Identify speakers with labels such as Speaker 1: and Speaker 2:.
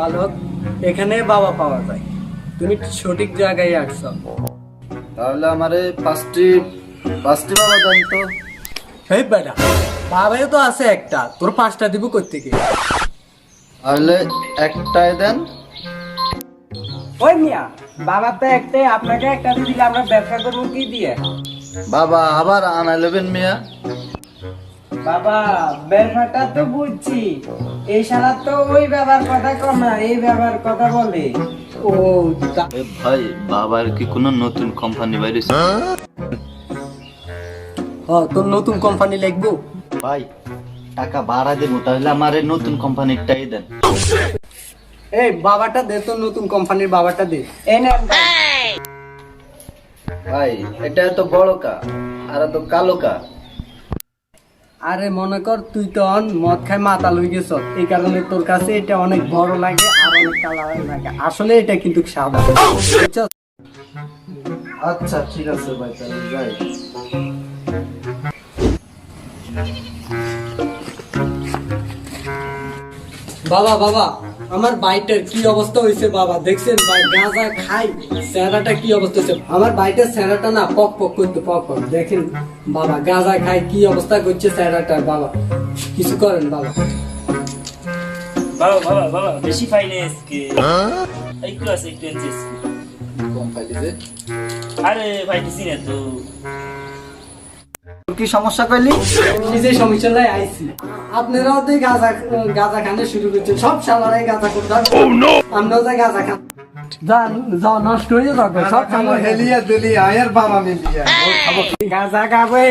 Speaker 1: বালক, এখানে বাবা পাওয়া যায়। তুমি সঠিক জায়গায় আসছো।
Speaker 2: তাহলে আমারে পাঁচটি বাবা দেন তো।
Speaker 1: এই বেটা, বাবাও তো আছে একটা, তোর 5টা দিব কোত্থেকে?
Speaker 2: তাহলে একটাই দেন।
Speaker 3: ওই মিয়া, বাবার তো একটাই, আপনাকে একটা দিয়ে দিলে আমরা ব্যবসা করবো কি দিয়ে?
Speaker 2: বাবা আবার আনা নেবেন মিয়া।
Speaker 3: বাবা ব্যবসাটা তো বুঝছি, এই শালা তো ওই ব্যবহার কথা কম না, এই ব্যবহার কথা বলে।
Speaker 1: ও তা-
Speaker 2: এ ভাই, বাবার কি কোনো নতুন কোম্পানি বাইরেছে?
Speaker 1: তোর নতুন কোম্পানি লাগবো?
Speaker 2: ভাই টাকা বাড়া দেবো, তাহলে আমার এই নতুন কোম্পানিটাই দেন।
Speaker 1: এই বাবাটা দে, তোর নতুন কোম্পানির বাবাটা দে।
Speaker 3: এই নেন ভাই।
Speaker 2: ভাই এটা তো বড় কা, আর তো কালো কা।
Speaker 1: আরে মনে কর তুই তো মদ খাই মাতাল হয়ে গেছ, এই কারণে তোর কাছে এটা অনেক বড় লাগে আর অনেক কালার লাগে। আসলে এটা কিন্তু সাদা, বুঝছো?
Speaker 2: আচ্ছা ঠিক আছে ভাই, তাহলে যাই।
Speaker 1: বাবা বাবা, আমার বাইটের কি অবস্থা হয়েছে বাবা, দেখছেন ভাই গাঁজা খাই, চেহারাটা কি অবস্থা হয়েছে আমার বাইটের। চেহারাটা না পক পক করতে পক পক, দেখেন বাবা গাঁজা খাই কি অবস্থা করছে চেহারাটার। বাবা কিছু করেন বাবা।
Speaker 4: বাবা বাবা বাবা বেশি ফাইন্যান্স কে একটু আছে একটু এনসিস
Speaker 2: কোম্পানিতে
Speaker 4: আরে ভাই দিছি না তো
Speaker 2: তোর কি সমস্যা কইলি?
Speaker 1: নিজে সমস্যা লাই আইছি, আপনারাও তো গাঁজা গাঁজা খানে শুরু করছেন, সব সালারাই গাঁজা করতে। আমরাও যাই গাঁজা খান, যা নষ্ট হয়ে যাবে সব সালার
Speaker 2: হেলিয়া দিলি আয়ের বাবা মিলিয়া
Speaker 3: গাঁজা খাবো